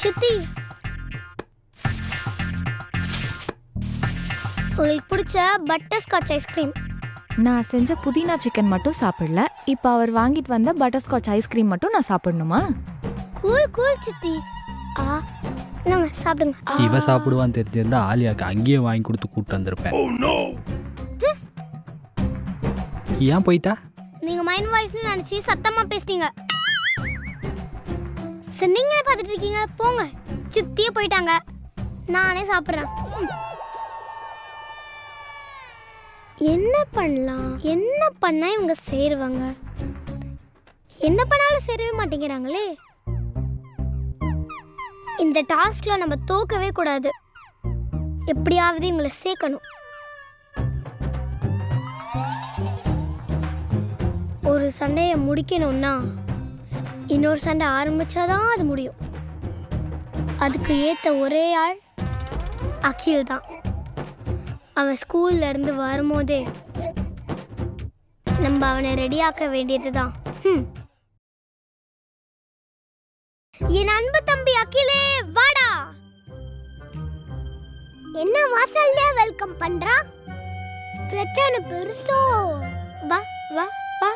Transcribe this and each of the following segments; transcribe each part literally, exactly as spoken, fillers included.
சித்தி, உங்களுக்கு பிடிச்ச பட்டர் ஸ்காட்ச் ஐஸ்கிரீம். நான் செஞ்ச புதினா சிக்கன் மட்டும் சாப்பிடல. இப்போ அவர் வாங்கிட்டு வந்த பட்டர் ஸ்காட்ச் ஐஸ்கிரீம் மட்டும் நான் சாப்பிடணுமா? கூல் கூல் சித்தி. ஆ நாங்க சாப்பிடுங்க. இவ சாப்பிடுவான்னு தெரிஞ்சிருந்தா ஆலியாக்கு அங்கேயே வாங்கி கொடுத்து கூப்பிட்டு வந்திருப்பேன். ஏன் போயிட்டா? நீங்க மைண்ட் வாய்ஸ்னு நினைச்சு சத்தமா பேசிட்டீங்க. சரி நீங்களே பார்த்துட்டு இருக்கீங்க, போங்க. சித்தியே போயிட்டாங்க, நானே சாப்பிட்றேன். என்ன பண்ணலாம், என்ன பண்ணா இவங்க சேருவாங்க? என்ன பண்ணாலும் சேரவே மாட்டேங்கிறாங்களே. இந்த டாஸ்க்ல நம்ம தோக்கவே கூடாது. எப்படியாவது இவங்களை சேர்க்கணும். ஒரு சண்டையை முடிக்கணும்னா இன்னொரு சண்டை ஆரம்பிச்சாதான் அது முடியும். அதுக்கு ஏற்ற ஒரே ஆள் அகில் தான். அவன் ஸ்கூல்ல இருந்து வரும்போதே நம்ம அவனை ரெடியாக்க வேண்டியது தான். என் அன்பு தம்பி அகிலே, வாடா. என்ன வாசல்ல வெல்கம் பண்றா? பிரச்சனை பெருசோ? வா வா வா.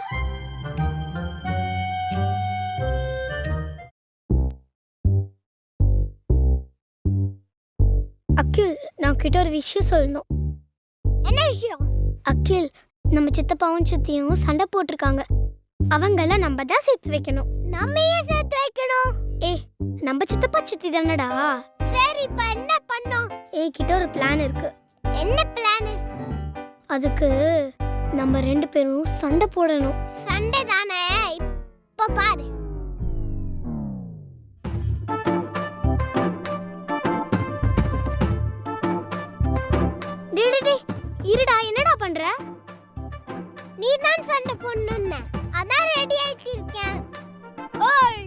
அகில், நான் கிட்ட ஒரு விஷயம் சொல்லணும். என்ன விஷயம்? அகில், நம்ம சித்தப்பாவும் சித்தியும் சண்டை போட்டிருக்காங்க. அவங்கள நம்ம தான் சேர்த்து வைக்கணும். நம்ம ஏன் சேர்த்து வைக்கணும்? ஏ, நம்ம சித்தப்பா சித்தி தானடா. சரி, இப்ப என்ன பண்ணோம்? ஏ கிட்ட ஒரு பிளான் இருக்கு. என்ன பிளான்? அதுக்கு நம்ம ரெண்டு பேரும் சண்டை போடணும். சண்டை தானே, இப்ப பாரு. இருடா, என்னடா பண்ற? நீ தான் சண்டை போடணும்னு அதான் ரெடி ஆயிட்டு இருக்கேன். ஓய்,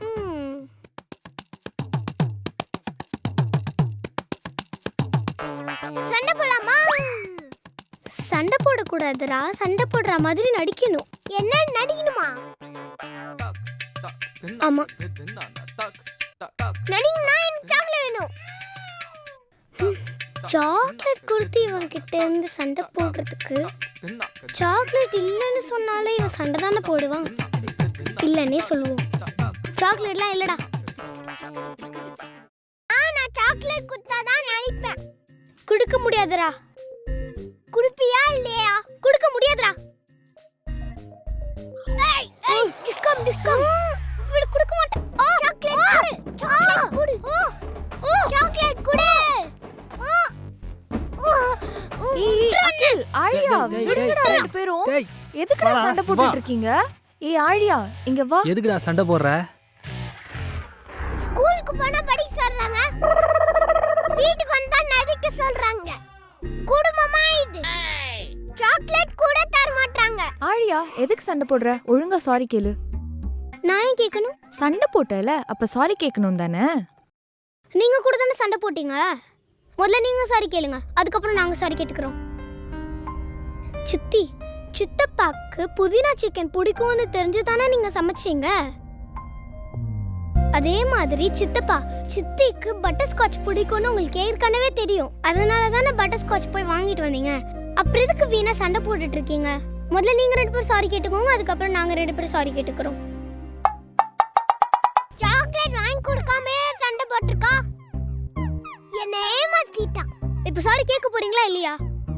சண்டை போடலாமா? சண்டை போடக்கூடாதுடா, சண்டை போடுற மாதிரி நடிக்கணும். என்ன நடிக்கணுமா? ஆமா, நடிக்கணும்னா எனக்கு சாக்லேட் வேணும். சாக்லேட் கொடுத்து இவன் கிட்ட இருந்து சண்டை போடுறதுக்கு சாக்லேட் இல்லைன்னு சொன்னாலே இவன் சண்டை தானே போடுவான். இல்லைன்னே சொல்லுவோம். சாக்லேட்லாம் இல்லடா. நான் சாக்லேட் கொடுத்தாதான் நினைப்பேன். கொடுக்க முடியாதுடா. குடுப்பியா இல்லையா? கொடுக்க முடியாதுடா. ஏய் ஏய், டிஸ்கம் டிஸ்கம். விடு, கொடுக்க மாட்டேன். ஓ, சாக்லேட் கொடு. ஓ, சாக்லேட் கொடு. அகில், ஆழியா, விடுங்கடா ரெண்டு பேரும். எதுக்குடா சண்டை போட்டுட்டு இருக்கீங்க? ஏய் ஆழியா, இங்க வா. எதுக்குடா சண்டை போடுற? ஸ்கூலுக்கு போனா படிக்க சொல்றாங்க, வீட்டுக்கு வந்தா நடிக்க சொல்றாங்க. குடும்பமா இது? சாக்லேட் கூட தர மாட்டாங்க. ஆழியா, எதுக்கு சண்டை போடுற? ஒழுங்கா சாரி கேளு. நான் ஏன் கேட்கணும்? சண்டை போட்டல, அப்ப சாரி கேட்கணும் தானே? நீங்க கூட தானே சண்டை போட்டீங்க. முதல்ல நீங்க சாரி கேளுங்க, அதுக்கப்புறம் நாங்க சாரி கேட்டுக்கிறோம். சித்தி, சித்தப்பாக்கு புதினா சிக்கன் பிடிக்கும்னு தெரிஞ்சு தானே நீங்க சமைச்சீங்க. அதே மாதிரி சித்தப்பா சித்திக்கு பட்டர் ஸ்காட்ச் பிடிக்கும்னு உங்களுக்கு ஏற்கனவே தெரியும். அதனால தானே பட்டர் ஸ்காட்ச் போய் வாங்கிட்டு வந்தீங்க. அப்புறம் எதுக்கு வீணா சண்டை போட்டுட்டு இருக்கீங்க? முதல்ல நீங்க ரெண்டு பேரும் சாரி கேட்டுக்கோங்க, அதுக்கப்புறம் நாங்க ரெண்டு பேரும் சாரி கேட்டுக்கிறோம். சாக்லேட் வாங்கி கொடுக்காம சண்டை போட்டுருக்கா. என்ன ஏமாத்திட்டா. இப்ப சாரி கேட்க போறீங்களா இல்லையா?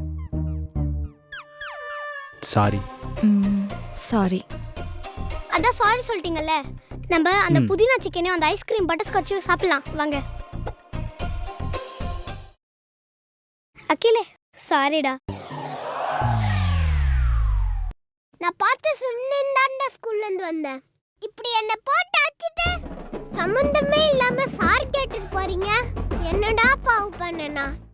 சாரி. சாரி. அதான் சாரி சொல்லிட்டீங்கல்ல. நம்ம அந்த புதினா சிக்கனையும் அந்த ஐஸ்கிரீம் பட்டர் ஸ்காட்சையும் சாப்பிடலாம் வாங்க. அகிலே, சாரிடா. நான் பார்த்து சொன்னேன்டா, ஸ்கூல்ல இருந்து வந்தேன். இப்படி என்ன போட்டு அடிச்சிட்டு சம்பந்தமே இல்லாம சாரி கேட்டுட்டு போறீங்க. என்னடா பாவம் பண்ணனா?